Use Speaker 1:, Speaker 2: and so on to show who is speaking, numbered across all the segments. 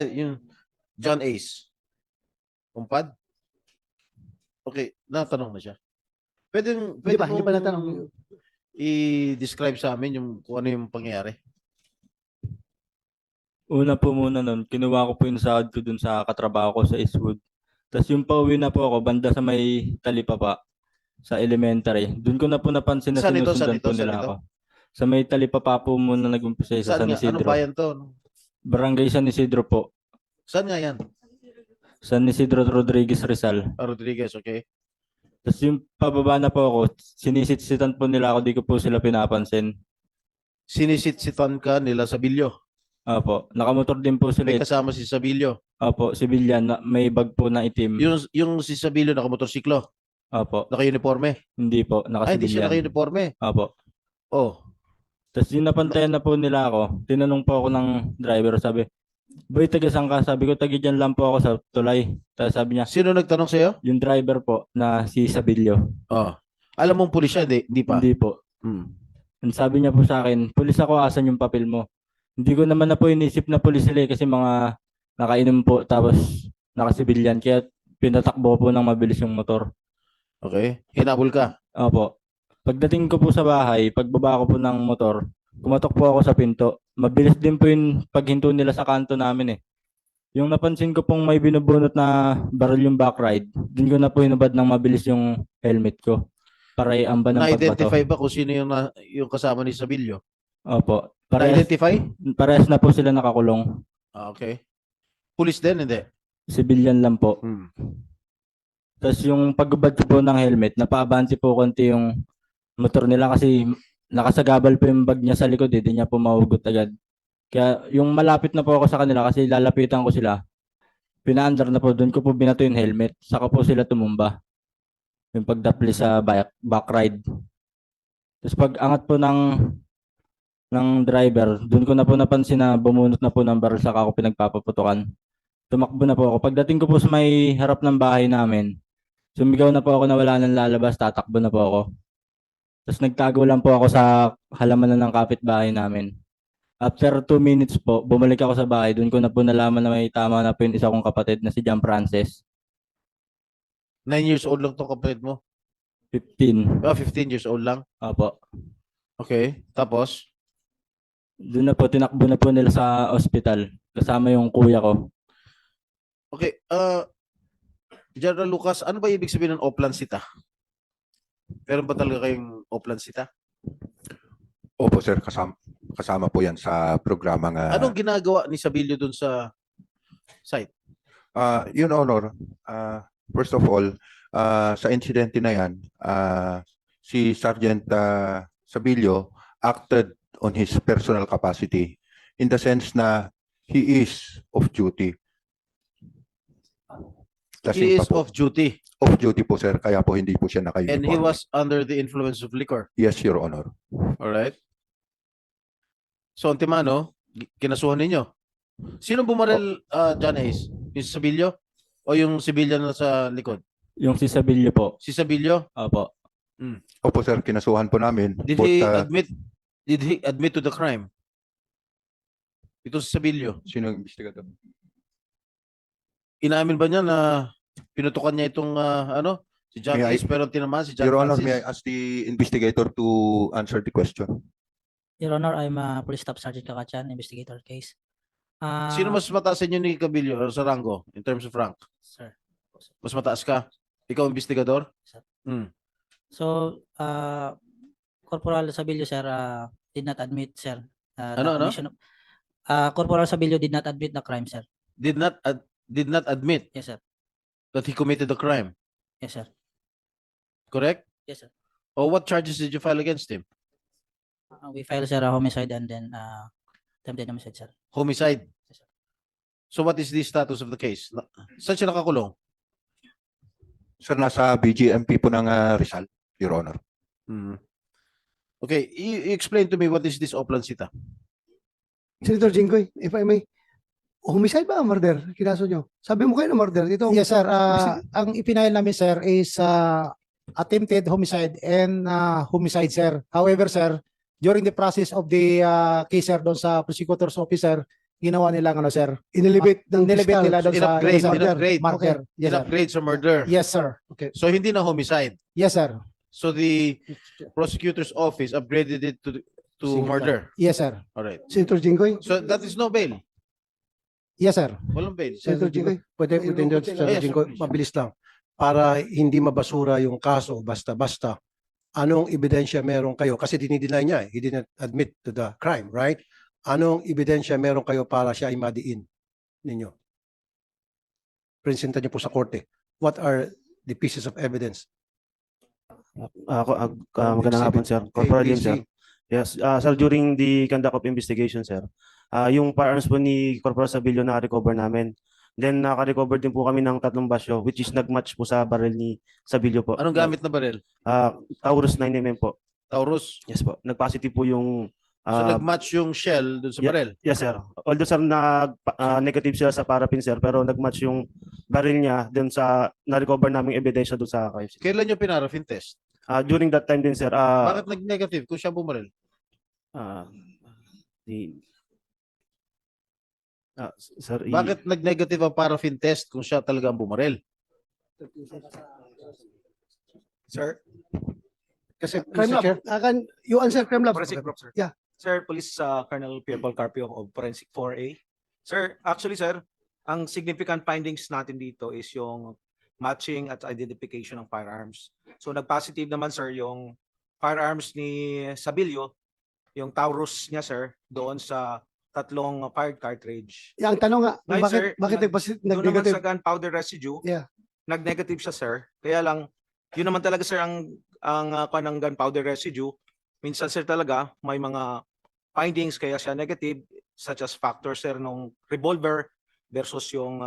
Speaker 1: yung John Ace. Kumpad? Okay, natanong na siya. Pwede
Speaker 2: Hindi pa natanong.
Speaker 1: i-describe sa amin yung kung ano yung pangyayari.
Speaker 3: Una po muna nun, kinuha ko po yung sahod ko dun sa katrabaho ko sa Eastwood. Tapos yung pauwi na po ako, banda sa may Talipapa, sa elementary. Doon ko na po napansin na
Speaker 1: Saan ito?
Speaker 3: sinusundan po nila ako. Sa may Talipapa po muna nag-umpisa sa
Speaker 1: Saan
Speaker 3: San
Speaker 1: nga? Anong
Speaker 3: Isidro.
Speaker 1: bayan to?
Speaker 3: Barangay San Isidro po.
Speaker 1: Saan nga yan?
Speaker 3: San Isidro Rodriguez Rizal.
Speaker 1: Rodriguez, okay.
Speaker 3: Tapos yung pababa na po ako, sinisitsitan po nila ako, di ko po sila pinapansin.
Speaker 1: Sinisitsitan ka nila sa Bilyo.
Speaker 3: Opo, nakamotor din po sila.
Speaker 1: May kasama si Sabilyo.
Speaker 3: Opo, civilian, may bag po na itim.
Speaker 1: Yung si Sabilyo nakamotorsiklo.
Speaker 3: Opo,
Speaker 1: Naka-uniforme.
Speaker 3: hindi po,
Speaker 1: Ay, hindi siya
Speaker 3: naka-civilian.
Speaker 1: naka-uniforme.
Speaker 3: Opo.
Speaker 1: Oh.
Speaker 3: Tapos yung napantayan na po nila ako, tinanong po ako ng driver, sabi, "Boy, taga saan ka?" Sabi ko, "Taga dyan lang po ako sa tulay." Tapos sabi niya,
Speaker 1: Sino nagtanong sa'yo?
Speaker 3: yung driver po na si Sabilyo.
Speaker 1: Oh. Alam mong pulis siya, hindi pa?
Speaker 3: Hindi po.
Speaker 1: Hmm.
Speaker 3: And sabi niya po sa akin, "Pulis ako, asan yung papel mo?" Hindi ko naman na po inisip na pulis sila kasi mga nakainom po tapos nakasibilyan. Kaya pinatakbo po ng mabilis yung motor.
Speaker 1: Okay. Hinabol ka.
Speaker 3: Opo. Pagdating ko po sa bahay, pagbaba ko po ng motor, kumatok po ako sa pinto. Mabilis din po yung paghinto nila sa kanto namin eh. Yung napansin ko pong may binubunot na baril yung back ride, din ko na po hinubad ng mabilis yung helmet ko para iamba ng pagbato.
Speaker 1: Na-identify ba kung sino yung kasama ni Sabilyo?
Speaker 3: Opo. Parehas,
Speaker 1: Na-identify?
Speaker 3: parehas na po sila nakakulong.
Speaker 1: Okay. Pulis din, hindi?
Speaker 3: Civilian lang po.
Speaker 1: Hmm.
Speaker 3: Tapos yung pagbabad ko po ng helmet, napaabante po konti yung motor nila kasi nakasagabal po yung bag niya sa likod, hindi niya po mahugot agad. Kaya yung malapit na po ako sa kanila kasi lalapitan ko sila, pinaandar na po, doon ko po binato yung helmet, saka po sila tumumba. Yung pagdapli sa back ride. Tapos pag angat po ng driver, doon ko na po napansin na bumunot na po ng baril saka ako pinagpapaputukan. Tumakbo na po ako. Pagdating ko po sa may harap ng bahay namin, sumigaw na po ako na wala nang lalabas, tatakbo na po ako. Tapos nagtago lang po ako sa halaman ng kapitbahay namin. After 2 minutes po, bumalik ako sa bahay. Doon ko na po nalaman na may tama na po yung isa kong kapatid na si John Francis.
Speaker 1: 9 years old lang tong kapatid mo?
Speaker 3: 15.
Speaker 1: 15 years old lang?
Speaker 3: Opo.
Speaker 1: Okay. Tapos?
Speaker 3: Doon na po, tinakbo na po nila sa ospital. Kasama yung kuya ko.
Speaker 1: Okay. General Lucas, ano ba ibig sabihin ng Oplansita? Meron ba talaga kayong Oplansita?
Speaker 4: Opo sir, kasama po yan sa programang
Speaker 1: Anong ginagawa ni Sabilyo dun sa site?
Speaker 4: Your Honor, first of all, sa insidente na yan, si Sergeant Sabilio acted on his personal capacity in the sense na he is off duty.
Speaker 1: He is off duty
Speaker 4: Off duty po sir, kaya po hindi po siya
Speaker 1: and he
Speaker 4: naka-uniform.
Speaker 1: was under the influence of liquor.
Speaker 4: Yes, Your Honor.
Speaker 1: Alright? So, Antimano, kinasuhan ninyo. Sino bumaril, John Hayes? Yung Sabilyo? O yung civilian na sa likod?
Speaker 3: Yung si Sabilyo po.
Speaker 1: Si Sabilyo?
Speaker 3: Opo.
Speaker 4: Opo sir, kinasuhan po namin.
Speaker 1: Did
Speaker 4: Both,
Speaker 1: he admit to the crime? Ito si Sabilyo.
Speaker 4: sino yung investigador?
Speaker 1: Inamin ba niya na pinutukan niya itong si John
Speaker 4: May I-
Speaker 1: Hayes pero tinamaan si John
Speaker 4: Your Honor,
Speaker 1: Francis?
Speaker 4: may I ask the investigator to answer the question?
Speaker 5: Your Honor, I'm Police Staff Sergeant Kakachan, investigator case.
Speaker 1: Sino mas mataas sa inyo ni Cabillo or sa rango in terms of rank?
Speaker 5: Sir.
Speaker 1: Mas mataas ka? Ikaw investigador?
Speaker 5: Sir.
Speaker 1: So,
Speaker 5: Corporal Sabilio, sir, did not admit, sir.
Speaker 1: Ano?
Speaker 5: Corporal Sabilio did not admit the crime, sir.
Speaker 1: did not admit
Speaker 5: Yes, sir.
Speaker 1: that he committed the crime.
Speaker 5: Yes, sir.
Speaker 1: Correct?
Speaker 5: Yes, sir.
Speaker 1: Or what charges did you file against him?
Speaker 5: We filed, sir, a homicide and then attempted homicide, sir.
Speaker 1: Homicide.
Speaker 5: Yes, sir.
Speaker 1: So what is the status of the case? Saan siya nakakulong?
Speaker 4: Sir, nasa BGMP po ng Rizal, Your Honor.
Speaker 1: Okay, you explain to me what is this Oplansita?
Speaker 2: Senator Jinggoy, if I may, homicide ba o murder? Kinaso nyo? Sabi mo kayo na murder. Ito,
Speaker 6: Yes, sir. Ang ipinail namin, sir, is attempted homicide and homicide, sir. However, sir, during the process of the case, sir, doon sa prosecutor's officer, ginawa nilang ano, sir.
Speaker 2: Inelevate ng
Speaker 6: Nilibit
Speaker 2: fiscal.
Speaker 6: nila doon sa
Speaker 1: In-upgrade,
Speaker 6: sa
Speaker 1: in-upgrade.
Speaker 6: marker. Yes, sir.
Speaker 1: In-upgrade sa murder.
Speaker 6: Yes, sir.
Speaker 1: So hindi na homicide.
Speaker 6: Yes, sir.
Speaker 1: So the prosecutor's office upgraded it to
Speaker 2: Single
Speaker 1: murder.
Speaker 6: Yes, sir.
Speaker 1: All right.
Speaker 2: Senator Jinggoy,
Speaker 1: So that is no bail.
Speaker 6: Yes, sir.
Speaker 1: Walang bail.
Speaker 2: Senator Jinggoy.
Speaker 7: Pwede,
Speaker 2: Ayun,
Speaker 7: pwede,
Speaker 2: pwede
Speaker 7: Senator
Speaker 1: lang.
Speaker 7: Jinggoy,
Speaker 1: Yes,
Speaker 7: mabilis lang. Para hindi mabasura yung kaso basta-basta. Anong ebidensya meron kayo? Kasi dinideny niya, he didn't admit to the crime, right? Anong ebidensya meron kayo para siya ay madiin ninyo? Presenta niyo po sa korte. What are the pieces of evidence?
Speaker 8: Magandang hapon, sir. Corporal Lim, sir.
Speaker 7: ABC.
Speaker 8: Yes, sir, during the conduct of investigation, sir, yung firearms po ni Corporal Sabilio na-recover namin. Then, naka-recover din po kami ng 3 basyo, which is nag-match po sa barrel ni Sabilio po.
Speaker 1: Anong gamit na baril?
Speaker 8: Taurus 9mm po.
Speaker 1: Taurus.
Speaker 8: Yes po. Nag-positive po yung...
Speaker 1: So nag-match yung shell dun sa
Speaker 8: yeah.
Speaker 1: baril.
Speaker 8: Yes, sir. Although, sir, negative sila sa paraffin, sir, pero nag-match yung barrel niya dun sa na-recover naming ebidensya dun sa KFC.
Speaker 1: Kailan nyo pinaraffin test?
Speaker 8: During that time din, sir,
Speaker 1: Bakit nag-negative kung siya bumaril?
Speaker 8: Sir,
Speaker 1: Bakit nag-negative ang paraffin test kung siya talaga ang bumaril?
Speaker 9: Sir,
Speaker 7: Kasi,
Speaker 2: Crime
Speaker 7: Mr. Chair,
Speaker 2: Lab. You answer Crime Lab.
Speaker 9: Forensic Group, sir.
Speaker 2: Yeah.
Speaker 9: Sir, Police Colonel Pierre Paul Carpio of Forensic 4A. Sir, actually, sir, ang significant findings natin dito is yung matching at identification ng firearms. So, nag-positive naman, sir, yung firearms ni Sabilio, yung Taurus niya, sir, doon sa 3 fired cartridge.
Speaker 2: Yung tanong nga,
Speaker 9: Ngayon,
Speaker 2: bakit,
Speaker 9: sir,
Speaker 2: bakit
Speaker 9: doon naman
Speaker 2: nag-negative?
Speaker 9: sa gunpowder residue,
Speaker 2: Yeah.
Speaker 9: nag-negative siya, sir. Kaya lang, yun naman talaga, sir, ang ng gunpowder residue. Minsan, sir, talaga, may mga findings kaya siya negative, such as factor, sir, nung revolver versus yung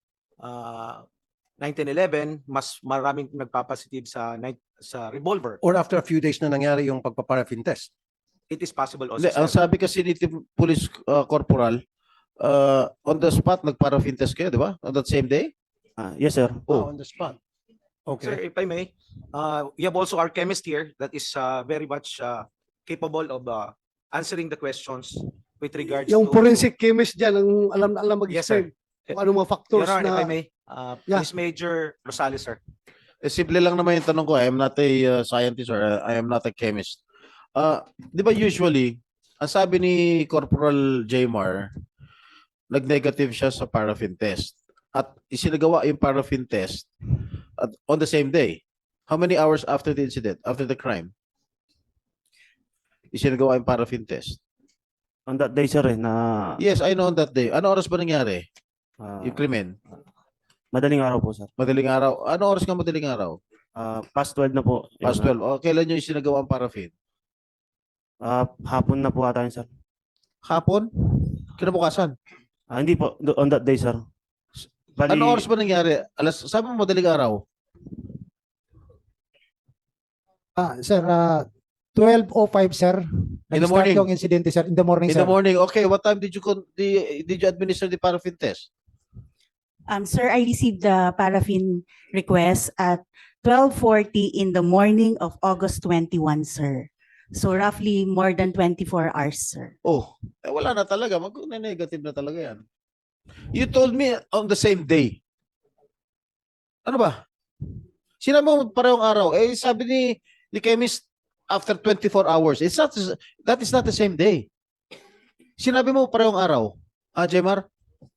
Speaker 9: 1911, mas maraming nagpapositive sa revolver.
Speaker 7: or after a few days na nangyari yung pagpaparaffin test.
Speaker 9: It is possible also,
Speaker 1: Hindi, ang
Speaker 9: sir.
Speaker 1: sabi kasi ni Police Corporal, on the spot, nag-paraffin test kayo, di ba? On that same day?
Speaker 8: yes, sir.
Speaker 1: Oh.
Speaker 7: On the spot.
Speaker 9: Sir,
Speaker 7: Okay.
Speaker 9: if I may, we have also our chemist here that is very much capable of answering the questions with regards
Speaker 2: Yung
Speaker 9: to...
Speaker 2: forensic chemist dyan, ang alam
Speaker 9: Yes, sir.
Speaker 2: mag-explain kung ano mga factors
Speaker 9: Your Honor, if I
Speaker 2: na...
Speaker 9: may,
Speaker 2: Yeah.
Speaker 9: Police Major Rosales, sir.
Speaker 1: Simple lang naman yung tanong ko. I am not a scientist or I am not a chemist. Di ba usually, ang sabi ni Corporal Jmar, nag-negative siya sa paraffin test. At isinagawa yung paraffin test on the same day. How many hours after the incident, after the crime? Isinagawa yung paraffin test.
Speaker 8: On that day, sir, na
Speaker 1: Yes, I know on that day. Ano oras ba nangyari? Yung
Speaker 8: uh,
Speaker 1: krimen?
Speaker 8: madaling araw po, sir.
Speaker 1: Madaling araw. Ano oras nga madaling araw?
Speaker 8: Past 12 na po. Your
Speaker 1: Past
Speaker 8: Honor.
Speaker 1: 12. Kailan nyo isinagawa ang paraffin?
Speaker 8: Hapon na po ata yun, sir.
Speaker 1: Hapon? Kinabukasan?
Speaker 8: Hindi po, on that day, sir. Bali,
Speaker 1: Ano oras ba nangyari? Sabi mo madaling araw.
Speaker 6: Sir, 12:05, sir.
Speaker 1: In the
Speaker 6: Nag-start
Speaker 1: morning.
Speaker 6: yung incident, sir. In the morning,
Speaker 1: In
Speaker 6: sir.
Speaker 1: the morning. Okay, what time did you administer the paraffin test?
Speaker 10: Sir, I received the paraffin request at 12:40 in the morning of August 21, sir. So roughly more than 24 hours, sir.
Speaker 1: Oh, wala na talaga. Mag-negative na talaga yan. You told me on the same day. Ano ba? Sinabi mo parehong araw. Sabi ni chemist after 24 hours. That is not the same day. Sinabi mo parehong araw. Jemar?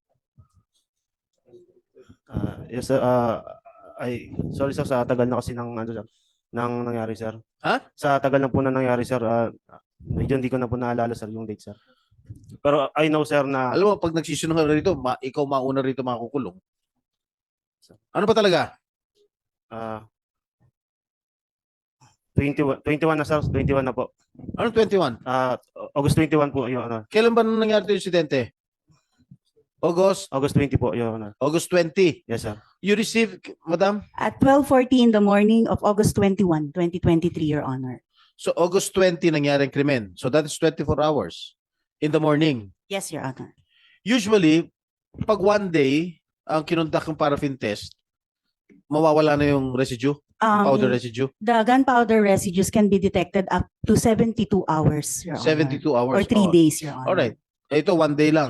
Speaker 8: yes, sir. Sorry, sir, sa tagal na kasi ng nangyari, sir.
Speaker 1: Ha?
Speaker 8: Sa tagal na po na nangyari, sir, medyo hindi ko na po naalala, sir, yung date, sir. Pero I know, sir, na
Speaker 1: Alam mo, pag nagsisinungaling rito, ikaw mauna rito makukulong. Ano ba talaga?
Speaker 8: 21 na, sir. 21 na po.
Speaker 1: Ano 21?
Speaker 8: August 21 po, Your Honor.
Speaker 1: Kailan ba nangyari ito yung insidente? August
Speaker 8: 20 po, Your Honor.
Speaker 1: August 20.
Speaker 8: Yes, sir.
Speaker 1: You received, madam?
Speaker 10: At 12:40 in the morning of August 21, 2023, Your Honor.
Speaker 1: So August 20 nangyari ang krimen. So that is 24 hours in the morning.
Speaker 10: Yes, Your Honor.
Speaker 1: Usually, pag one day, ang kinundak ng paraffin test, mawawala na yung residue, powder residue.
Speaker 10: The gunpowder residues can be detected up to 72 hours, Your Honor.
Speaker 1: 72 hours.
Speaker 10: Or 3
Speaker 1: Oh.
Speaker 10: days, Your Honor.
Speaker 1: Alright. Ito, one day lang.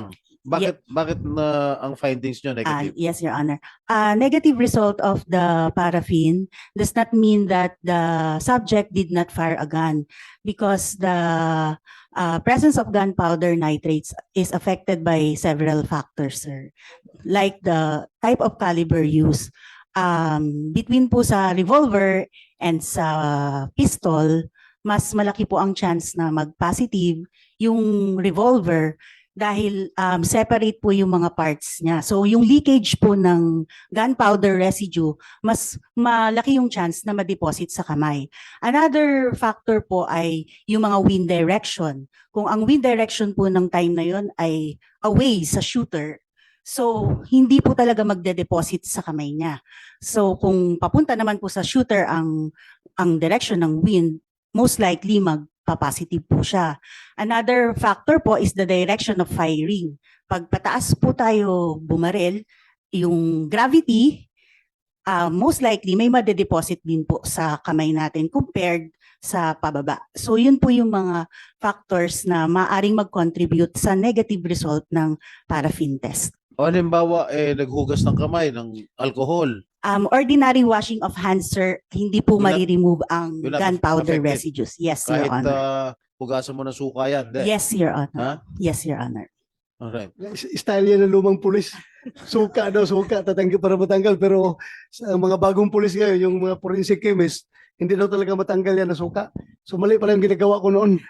Speaker 1: Bakit na ang findings nyo negative?
Speaker 10: Yes, Your Honor. Negative result of the paraffin does not mean that the subject did not fire a gun because the presence of gunpowder nitrates is affected by several factors, sir. Like the type of caliber used. Between po sa revolver and sa pistol, mas malaki po ang chance na mag-positive yung revolver dahil separate po yung mga parts niya. So yung leakage po ng gunpowder residue, mas malaki yung chance na ma-deposit sa kamay. Another factor po ay yung mga wind direction. Kung ang wind direction po ng time na yon ay away sa shooter, so hindi po talaga magde-deposit sa kamay niya. So kung papunta naman po sa shooter ang direction ng wind, most likely magpa-positive po siya. Another factor po is the direction of firing. Pag pataas po tayo bumaril, yung gravity, most likely may made-deposit din po sa kamay natin compared sa pababa. So yun po yung mga factors na maaring mag-contribute sa negative result ng paraffin test.
Speaker 1: O halimbawa, naghugas ng kamay ng alcohol.
Speaker 10: Ordinary washing of hands, sir, hindi po
Speaker 1: Will not-
Speaker 10: ma-remove ang
Speaker 1: will not
Speaker 10: gunpowder
Speaker 1: affect it.
Speaker 10: residues. Yes, Your
Speaker 1: Kahit
Speaker 10: Honor.
Speaker 1: hugasan mo ng suka yan. Hindi.
Speaker 10: Yes, Your Honor.
Speaker 1: Ha?
Speaker 10: Yes, Your Honor.
Speaker 1: Alright.
Speaker 2: Style yan ng lumang pulis. Suka daw, suka, tatanggal para matanggal. Pero sa mga bagong pulis ngayon, yung mga forensic chemist, hindi daw talaga matanggal yan na suka. So mali pala yung ginagawa ko noon.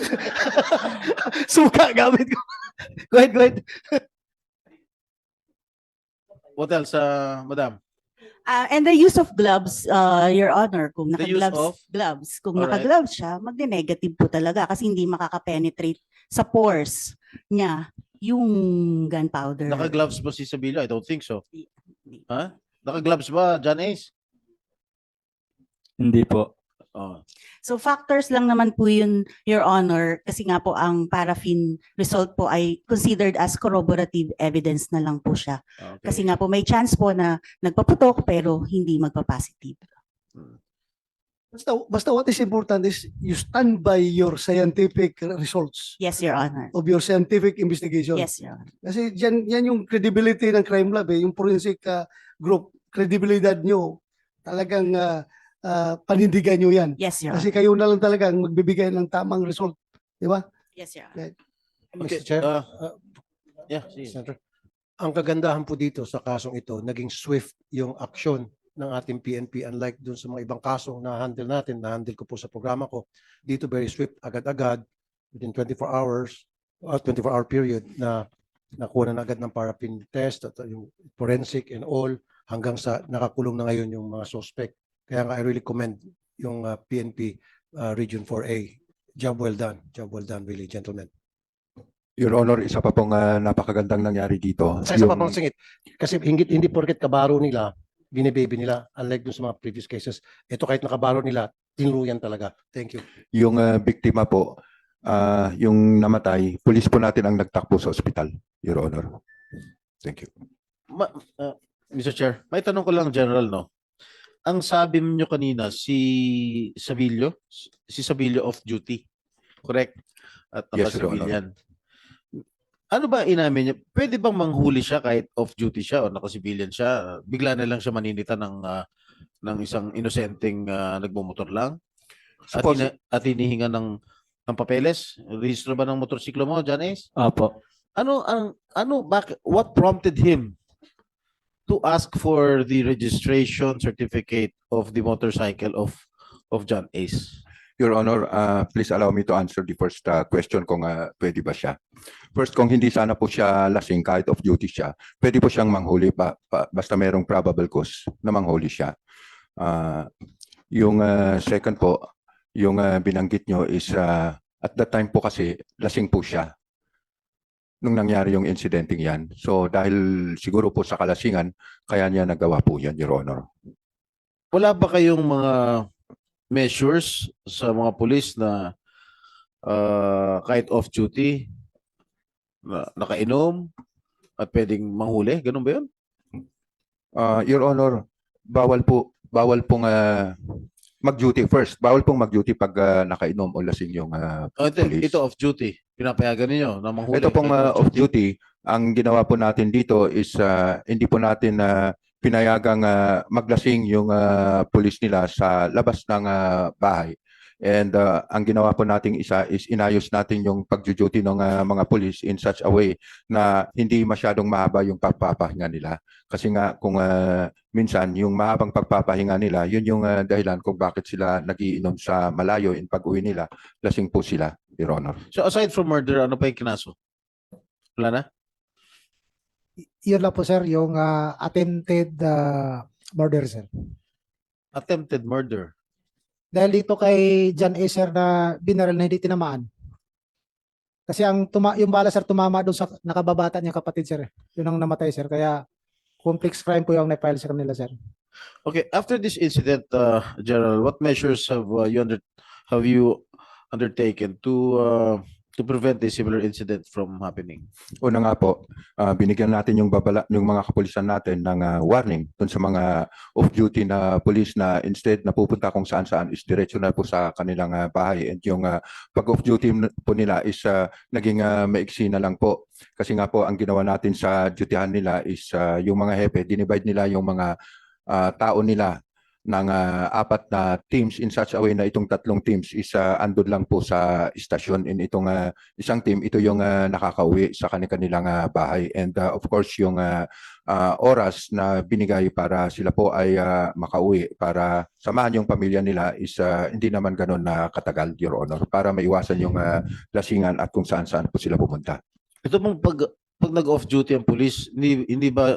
Speaker 2: Suka gamit ko. Go ahead.
Speaker 1: What else, madam?
Speaker 10: And the use of gloves, Your Honor, kung
Speaker 1: The use
Speaker 10: naka-gloves,
Speaker 1: of?
Speaker 10: gloves, kung
Speaker 1: Alright.
Speaker 10: naka-gloves siya, magne-negative po talaga kasi hindi makaka-penetrate sa pores niya yung gunpowder.
Speaker 1: Naka-gloves ba si Sabilio? I don't think so.
Speaker 10: Hindi.
Speaker 1: Ha? Naka-gloves ba, John Ace?
Speaker 3: Hindi po.
Speaker 1: Oh.
Speaker 10: So factors lang naman po yun, Your Honor, kasi nga po ang paraffin result po ay considered as corroborative evidence na lang po siya.
Speaker 1: Okay.
Speaker 10: Kasi nga po may chance po na nagpaputok pero hindi magpa-positive.
Speaker 2: Basta what is important is you stand by your scientific results
Speaker 10: Yes, Your Honor.
Speaker 2: of your scientific investigation.
Speaker 10: Yes, Your Honor.
Speaker 2: Kasi yan yung credibility ng crime lab yung forensic group, credibilidad nyo, talagang panindigan nyo yan.
Speaker 10: Yes, Your
Speaker 2: Kasi
Speaker 10: Honor.
Speaker 2: kayo na lang talaga ang magbibigay ng tamang result. Di ba?
Speaker 10: Yes, Your Honor.
Speaker 1: Okay.
Speaker 7: Mr. Chair,
Speaker 1: Yeah, sige.
Speaker 7: Senator, ang kagandahan po dito sa kasong ito, naging swift yung aksyon ng ating PNP unlike dun sa mga ibang kasong na-handle natin, na-handle ko po sa programa ko. Dito very swift, agad-agad, within 24 hours, 24-hour period na nakuha na agad ng paraffin test at yung forensic and all hanggang sa nakakulong na ngayon yung mga suspect. Kaya nga I really commend yung PNP Region 4A. Job well done really, gentlemen.
Speaker 4: Your Honor, isa pa pong napakagandang nangyari dito.
Speaker 7: Sa isa pa
Speaker 4: Yung-
Speaker 7: pang singit, kasi hindi porket kabaro nila, binibaby nila, unlike dun sa mga previous cases. Ito kahit nakabaro nila, tinuluyan talaga. Thank you.
Speaker 4: Yung biktima po, yung namatay, pulis po natin ang nagtakbo sa ospital, Your Honor. Thank you.
Speaker 1: Mr. Chair, may tanong ko lang general, no? Ang sabi niyo kanina, si Sabilio off duty. Correct? At
Speaker 4: Yes, Your Honor.
Speaker 1: naka-civilian. Ano ba inamin niya? Pwede bang manghuli siya kahit off duty siya o naka-civilian siya? Bigla na lang siya maninita ng isang inosenteng nagmumotor lang?
Speaker 4: Suppose-
Speaker 1: At hinihinga ng papeles? Rehistro ba ng motorsiklo mo, John Ace?
Speaker 3: Opo.
Speaker 1: What prompted him to ask for the registration certificate of the motorcycle of John Ace?
Speaker 4: Your Honor, please allow me to answer the first question kung pwede ba siya. First, kung hindi sana po siya lasing kahit off duty siya, pwede po siyang manghuli basta mayroong probable cause na manghuli siya. Yung second po, yung binanggit nyo is at that time po kasi lasing po siya nung nangyari yung incidenting yan. So dahil siguro po sa kalasingan, kaya niya nagawa po yan, Your Honor.
Speaker 1: Wala ba kayong mga measures sa mga pulis na kahit off duty, na nakainom at pwedeng manghuli? Ganun ba yun?
Speaker 4: Your Honor, bawal pong mag-duty first. Bawal pong mag-duty pag nakainom o lasing yung police.
Speaker 1: Ito off duty. Pinapayagan ninyo na manghuli.
Speaker 4: Ito pong
Speaker 1: kahit
Speaker 4: off-duty, ang ginawa po natin dito is hindi po natin pinayagang maglasing yung pulis nila sa labas ng bahay. And ang ginawa po nating isa is inayos natin yung pag-duty ng mga pulis in such a way na hindi masyadong mahaba yung pagpapahinga nila. Kasi nga kung minsan yung mahabang pagpapahinga nila, yun yung dahilan kung bakit sila nagiinom sa malayo in pag-uwi nila. Lasing po sila, Your Honor.
Speaker 1: So aside from murder, ano pa yung kinaso? Wala na?
Speaker 6: Yun lang po, sir, yung attempted murder, sir.
Speaker 1: Attempted murder.
Speaker 6: Dahil dito kay John A. sir na binaril na hindi tinamaan. Kasi yung bala, sir, tumama doon sa nakababata niya kapatid, sir. Yun ang namatay, sir. Kaya complex crime po yung na-file sa kanila, sir.
Speaker 1: Okay, after this incident, General, what measures have you undertaken to prevent a similar incident from happening?
Speaker 4: Una nga po, binigyan natin yung mga kapulisan natin ng warning dun sa mga off-duty na pulis na instead na pupunta kung saan-saan is diretso na po sa kanilang bahay. And yung pag off-duty po nila is naging maiksi na lang po. Kasi nga po, ang ginawa natin sa dutyhan nila is yung mga hepe, dinivide nila yung mga tao nila ng 4 na teams in such a way na itong 3 teams is andun lang po sa istasyon. In itong isang team, ito yung nakakauwi sa kanilang bahay. And of course, yung oras na binigay para sila po ay makauwi para samahan yung pamilya nila is hindi naman ganun na katagal, Your Honor, para maiwasan yung lasingan at kung saan-saan po sila pumunta.
Speaker 1: Ito pong pag nag-off duty ang police, hindi ba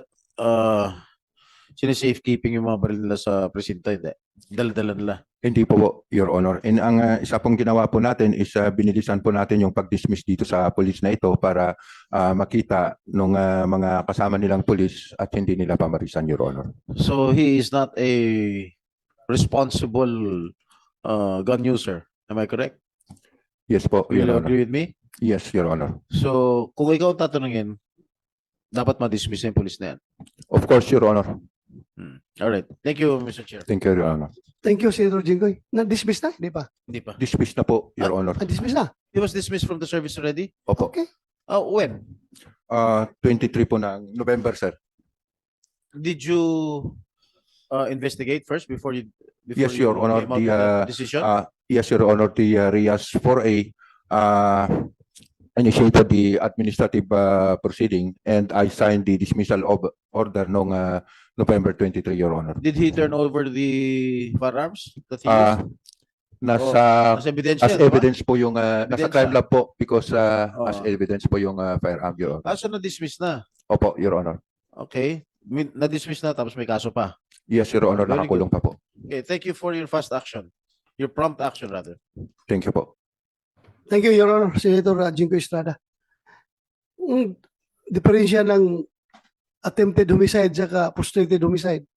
Speaker 1: safekeeping yung mga baril nila sa presinto? Hindi. Dala-dala nila.
Speaker 4: Hindi po, Your Honor. And ang isa pong ginawa po natin is binilisan po natin yung pag-dismiss dito sa police na ito para makita ng mga kasama nilang police at hindi nila pamarisan, Your Honor.
Speaker 1: So he is not a responsible gun user. Am I correct?
Speaker 4: Yes po,
Speaker 1: Will
Speaker 4: Your
Speaker 1: you
Speaker 4: Honor.
Speaker 1: agree with me?
Speaker 4: Yes, Your Honor.
Speaker 1: So kung ikaw ang tatanungin, dapat ma-dismiss na yung police na yan.
Speaker 4: Of course, Your Honor.
Speaker 1: All right. Thank you, Mr. Chair.
Speaker 4: Thank you, Your Honor.
Speaker 2: Thank you, Senator Jinggoy. Na-dismiss na, di ba?
Speaker 1: Hindi pa.
Speaker 4: Dismiss na po, Your Honor.
Speaker 2: Na-dismiss na.
Speaker 1: He was dismissed from the service already?
Speaker 4: Opo.
Speaker 2: Okay.
Speaker 1: When?
Speaker 4: 23 po ng November, sir.
Speaker 1: Did you investigate first before you
Speaker 4: Yes, Your Honor.
Speaker 1: came out with that decision?
Speaker 4: Yes, Your Honor. The RIAS 4A initiated the administrative proceeding and I signed the dismissal of order noong November 23, Your Honor.
Speaker 1: Did he turn over the firearms that he used?
Speaker 4: Nasa
Speaker 1: As evidence
Speaker 4: as
Speaker 1: yan, di ba?
Speaker 4: evidence po yung nasa
Speaker 1: Ebidensya.
Speaker 4: crime lab po because as
Speaker 1: Oo.
Speaker 4: evidence po yung firearm, Your Honor.
Speaker 1: So na-dismiss na.
Speaker 4: Opo, Your Honor.
Speaker 1: Okay. Na-dismiss na tapos may kaso pa.
Speaker 4: Yes, Your Honor.
Speaker 1: Very
Speaker 4: Nakakulong pa po.
Speaker 1: Okay, thank you for your fast action. Your prompt action rather.
Speaker 4: Thank you po.
Speaker 2: Thank you, Your Honor, Senator Jinggoy Estrada. Diferensya ng attempted homicide saka frustrated homicide.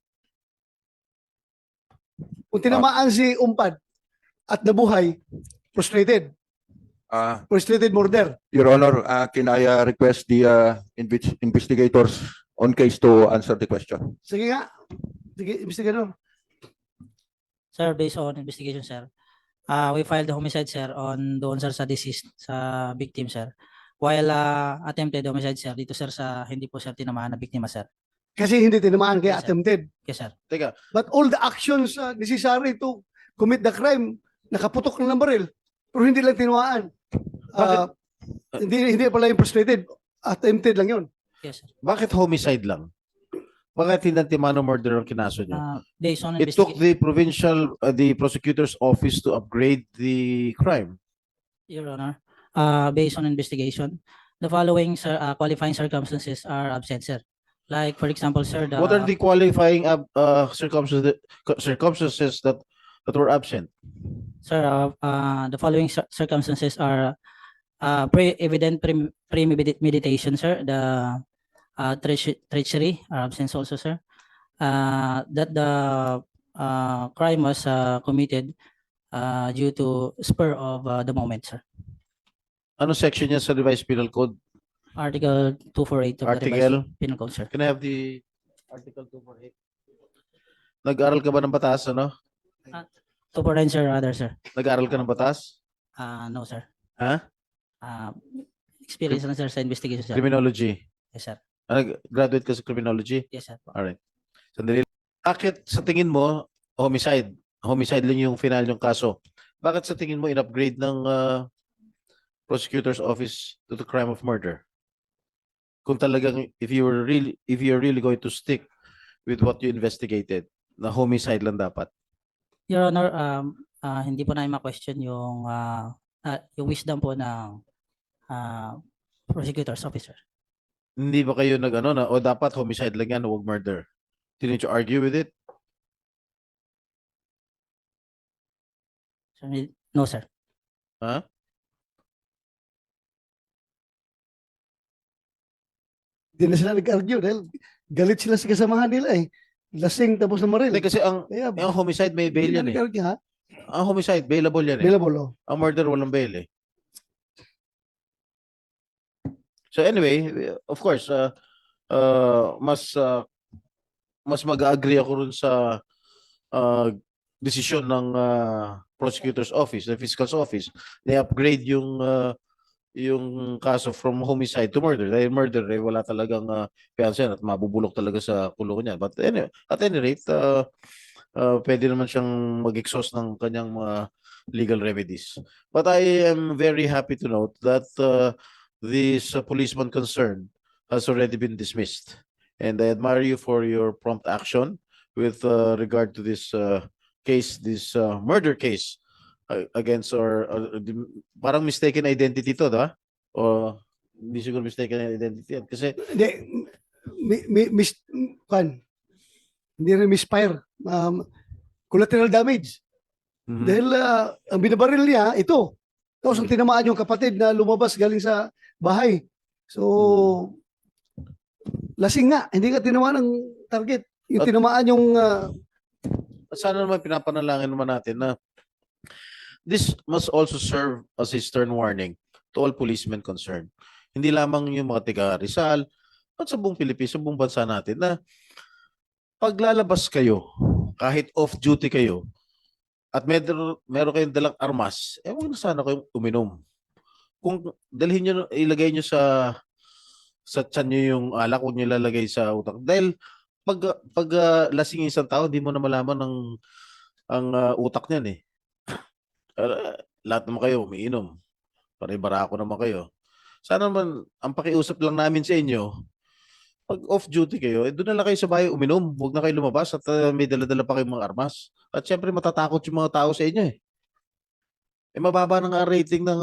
Speaker 2: Kung tinamaan si Umpad at nabuhay, frustrated. Frustrated murder.
Speaker 4: Your Honor, can I request the investigators on case to answer the question?
Speaker 2: Sige nga. Sige, investigador.
Speaker 5: Sir, based on investigation, sir, we filed the homicide, sir, on doon, sir, sa deceased, sa victim, sir. While attempted homicide, sir, dito, sir, sa hindi po, sir, tinamaan na biktima, sir.
Speaker 2: Kasi hindi tinamaan kaya
Speaker 5: Yes, sir.
Speaker 2: attempted.
Speaker 5: Yes, sir.
Speaker 1: Teka,
Speaker 2: But all the actions necessary to commit the crime, nakaputok na ng baril. Pero hindi lang tinamaan. Hindi pala yung frustrated. Attempted lang yun.
Speaker 5: Yes, sir.
Speaker 1: bakit homicide lang? Bakit hindi Timano murder ang kinaso niyo?
Speaker 5: Based on
Speaker 1: It took
Speaker 5: investigation,
Speaker 1: the prosecutor's office to upgrade the crime.
Speaker 5: Your Honor, based on investigation, the following, sir, qualifying circumstances are absent, sir. Like, for example, sir,
Speaker 1: What are the qualifying circumstances that were absent?
Speaker 5: Sir, the following circumstances are evident premeditation, sir. The treachery are absent also, sir. That the crime was committed due to spur of the moment, sir.
Speaker 1: Ano section niya sa revised penal code?
Speaker 5: Article 248 of the
Speaker 1: Article?
Speaker 5: revised penal code, sir.
Speaker 1: Can I have the article 248? Nag-aral ka ba ng batas, ano?
Speaker 5: 249, sir, rather, sir.
Speaker 1: Nag-aral ka ng batas?
Speaker 5: No, sir.
Speaker 1: Ha?
Speaker 5: Experience lang, sir, sa investigation, sir.
Speaker 1: Criminology.
Speaker 5: Yes, sir.
Speaker 1: Graduate ka sa criminology?
Speaker 5: Yes, sir.
Speaker 1: Alright. Sandali. Bakit sa tingin mo, homicide? Homicide lang yung final yung kaso. Bakit sa tingin mo in-upgrade ng prosecutor's office to the crime of murder? Kung talagang, if you're really going to stick with what you investigated, na homicide lang dapat.
Speaker 5: Your Honor, hindi po namin ma-question yung wisdom po ng prosecutor's officer.
Speaker 1: Hindi ba kayo nag-ano na, o dapat homicide lang yan, huwag murder? Didn't you argue with it?
Speaker 5: No, sir.
Speaker 1: Ha?
Speaker 2: Hindi na sila nag-argue dahil galit sila sa kasamahan nila eh. Lasing tapos na maril.
Speaker 1: Hindi, kasi ang
Speaker 2: Kaya,
Speaker 1: homicide may bail
Speaker 2: hindi na
Speaker 1: yan eh.
Speaker 2: nag-argue, ha?
Speaker 1: Ang homicide, bailable yan eh.
Speaker 2: Available, oh.
Speaker 1: Ang murder, walang bail eh. So anyway, of course, mas mag-agree ako rin sa desisyon ng prosecutor's office, the fiscal's office. They upgrade yung kaso from homicide to murder. Dahil murder, wala talagang fiancé at mabubulok talaga sa kulungan niya. But anyway, at any rate, pwede naman siyang mag-exhaust ng kanyang mga legal remedies. But I am very happy to note that this policeman concerned has already been dismissed. And I admire you for your prompt action with regard to this case, this murder case against parang mistaken identity to, diba? O hindi siguro mistaken identity yan. Kasi
Speaker 2: Hindi, hindi rin misfire. Collateral damage. Dahil ang binabaril niya, ito. Tapos ang tinamaan yung kapatid na lumabas galing sa bahay. So, lasing nga. Hindi ka tinamaan ng target. Yung tinamaan yung...
Speaker 1: sana naman pinapanalangin naman natin na this must also serve as a stern warning to all policemen concerned. Hindi lamang yung mga taga Rizal, at sa buong Pilipinas, sa buong bansa natin na paglalabas kayo, kahit off-duty kayo, at meron kayong dalang armas, huwag na sana kayong uminom. Kung dalhin nyo, ilagay nyo sa tiyan nyo yung alak, huwag nyo ilalagay sa utak. Dahil pag lasing yung isang tao, di mo na malaman ang utak niyan eh. Lahat naman kayo umiinom. Pare-barako naman kayo. Sana naman, ang pakiusap lang namin sa inyo, pag off-duty kayo, doon na lang kayo sa bahay uminom. Huwag na kayo lumabas at may dala-dala pa kayong mga armas. At syempre matatakot yung mga tao sa inyo eh. Mababa na nga ang rating ng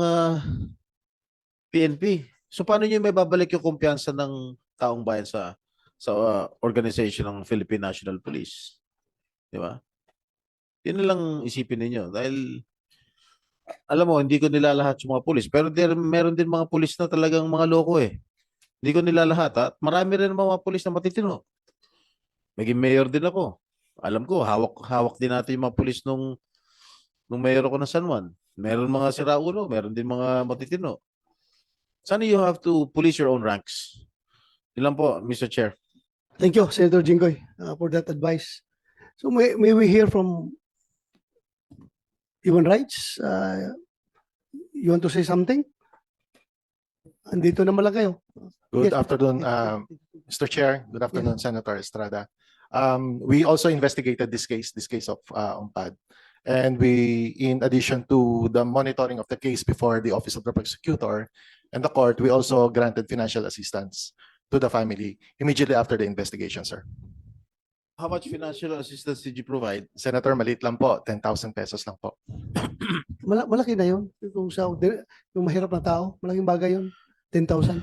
Speaker 1: PNP. So paano nyo may babalik yung kumpiyansa ng taong bayan sa organization ng Philippine National Police? Di ba? Yun na lang isipin ninyo. Dahil alam mo, hindi ko nilalahat yung mga pulis. Pero meron din mga pulis na talagang mga loko eh. Hindi ko nilalahat ha. Marami rin mga pulis na matitino. Maging mayor din ako. Alam ko, hawak din natin yung mga pulis nung mayor ako ng San Juan. Meron mga siraulo, meron din mga matitino. Sana you have to police your own ranks. Yun lang po, Mr. Chair.
Speaker 2: Thank you, Senator Jinggoy, for that advice. So may we hear from Human Rights? You want to say something? Andito naman lang kayo.
Speaker 11: Good
Speaker 2: Yes.
Speaker 11: afternoon, Mr. Chair. Good afternoon, Senator Estrada. We also investigated this case of UMPAD. And we, in addition to the monitoring of the case before the Office of the Prosecutor and the court, we also granted financial assistance to the family immediately after the investigation, sir.
Speaker 1: How much financial assistance did you provide?
Speaker 11: Senator, maliit lang po, 10,000 pesos lang po.
Speaker 2: Malaki na yun. Yung mahirap na tao, malaking bagay yun. 10,000.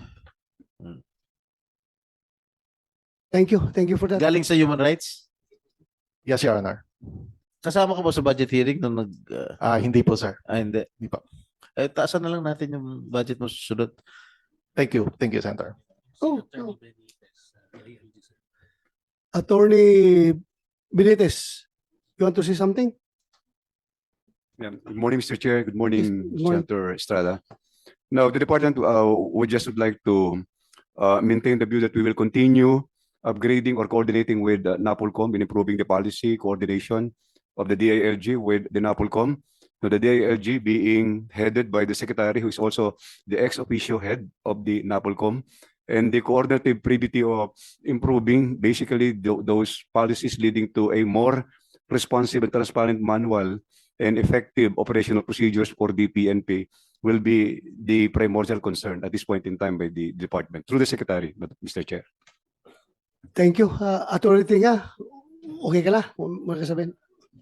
Speaker 2: Thank you. Thank you for that.
Speaker 1: Galing sa Human Rights?
Speaker 11: Yes, Your Honor.
Speaker 1: Kasama ka ba sa budget hearing nung
Speaker 11: Hindi po, sir.
Speaker 1: hindi.
Speaker 11: Hindi po.
Speaker 1: Taasan na lang natin yung budget mo susunod.
Speaker 11: Thank you. Thank you, Senator.
Speaker 2: Oh, oh. Attorney Benitez, you want to say something?
Speaker 12: Yeah. Good morning, Mr. Chair. Good morning,
Speaker 2: Good morning.
Speaker 12: Senator Estrada. Now, the department would like to maintain the view that we will continue upgrading or coordinating with NAPOLCOM in improving the policy coordination of the DILG with the NAPOLCOM. Now, the DILG being headed by the secretary, who is also the ex officio head of the NAPOLCOM. and the coordinative privity of improving basically those policies leading to a more responsive and transparent manual and effective operational procedures for the PNP will be the primordial concern at this point in time by the department through the secretary, Mr. Chair.
Speaker 2: Thank you. Attorney Tinga, okay ka na? Makasabihin.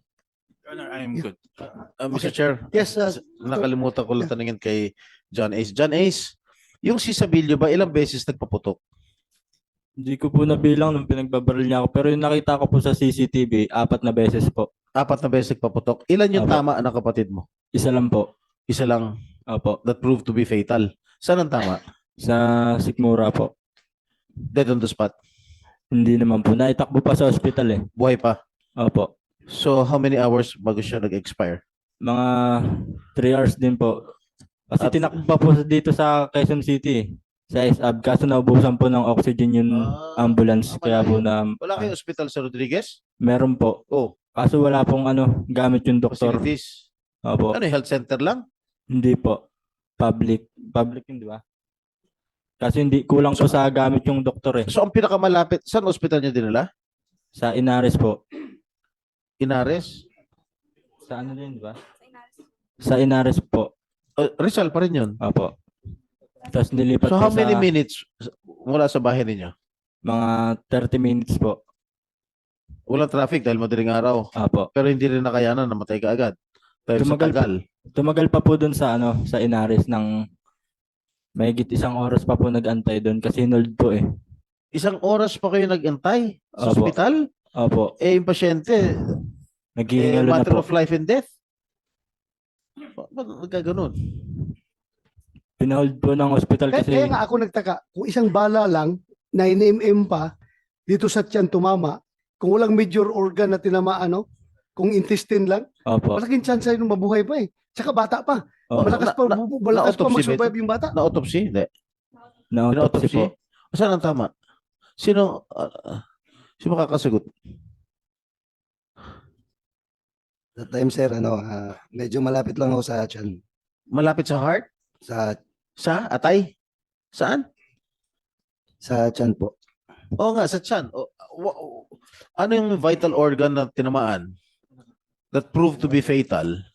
Speaker 1: I'm
Speaker 2: Yeah.
Speaker 1: good. Mr. Chair,
Speaker 2: Yes,
Speaker 1: nakalimutan ko lang tanungin kay John Ace. John Ace, yung si Sabilio ba ilang beses nagpaputok?
Speaker 3: Hindi ko po nabilang nung pinagbabaril niya ako. Pero yung nakita ko po sa CCTV, 4 na beses po.
Speaker 1: 4 na beses nagpaputok. Ilan yung
Speaker 3: Apo.
Speaker 1: tama ng kapatid mo?
Speaker 3: Isa lang po.
Speaker 1: Isa lang
Speaker 3: Opo.
Speaker 1: that proved to be fatal. Saan ang tama?
Speaker 3: Sa Sikmura po.
Speaker 1: Dead on the spot.
Speaker 3: Hindi naman po. Naitakbo pa sa ospital eh.
Speaker 1: Buhay pa.
Speaker 3: Opo.
Speaker 1: So how many hours bago siya nag-expire?
Speaker 3: Mga 3 hours din po. Kasi
Speaker 1: At-
Speaker 3: tinakbo pa po dito sa Quezon City eh. Sa SAB. Kaso naubusan po ng oxygen yung ambulance.
Speaker 1: tama
Speaker 3: Kaya
Speaker 1: na
Speaker 3: po
Speaker 1: yun.
Speaker 3: na
Speaker 1: Wala kayong hospital sa Rodriguez?
Speaker 3: meron po.
Speaker 1: Oh,
Speaker 3: Kaso wala pong gamit yung doktor.
Speaker 1: facilities.
Speaker 3: Opo.
Speaker 1: Ano, health center lang?
Speaker 3: Hindi po. Public. Public yun, di ba? Kasi hindi kulang po sa gamit yung doktor eh.
Speaker 1: So ang pinakamalapit, saan hospital niya dinala?
Speaker 3: Sa Inares po.
Speaker 1: Inares?
Speaker 3: Sa ano din, di ba? Sa Inares po.
Speaker 1: Rizal pa rin yun.
Speaker 3: Opo. Tapos nilipat
Speaker 1: So
Speaker 3: po
Speaker 1: how many
Speaker 3: sa
Speaker 1: minutes mula sa bahay ninyo?
Speaker 3: mga 30 minutes po.
Speaker 1: Walang traffic dahil madaling araw.
Speaker 3: Opo.
Speaker 1: Pero hindi rin nakayanan, namatay ka agad. Dahil sa
Speaker 3: Tumagal pa.
Speaker 1: tagal.
Speaker 3: Tumagal pa po dun sa sa Inares ng mahigit 1 oras pa po nag-antay doon kasi hinold po eh.
Speaker 1: 1 oras pa kayo nag-antay sa
Speaker 3: Opo.
Speaker 1: ospital?
Speaker 3: Opo.
Speaker 1: Eh, yung pasyente,
Speaker 3: Naghihingalo na
Speaker 1: matter
Speaker 3: po.
Speaker 1: of life and death. Ba't nagkaganon?
Speaker 3: Pinahold po ng hospital
Speaker 2: Kaya,
Speaker 3: kasi
Speaker 2: kaya nga ako nagtaka, kung isang bala lang, 9 mm pa, dito sa tiyan tumama, kung walang major organ na tinamaan, no? Kung intestine lang,
Speaker 3: opo.
Speaker 2: malaking chance ay mabuhay pa eh. Tsaka bata pa.
Speaker 3: Opo.
Speaker 2: Malakas pa, malakas pa
Speaker 1: na-autopsy ba
Speaker 2: mag-survive yung bata.
Speaker 1: Na-autopsy? Hindi.
Speaker 3: Na-autopsy po.
Speaker 1: Saan ang tama? Sino makakasagot?
Speaker 13: That time, sir, medyo malapit lang ako sa tiyan.
Speaker 1: Malapit sa heart?
Speaker 13: Sa
Speaker 1: Atay? Saan?
Speaker 13: tiyan po.
Speaker 1: Oo nga, sa tiyan. Ano yung vital organ na tinamaan that proved to be fatal?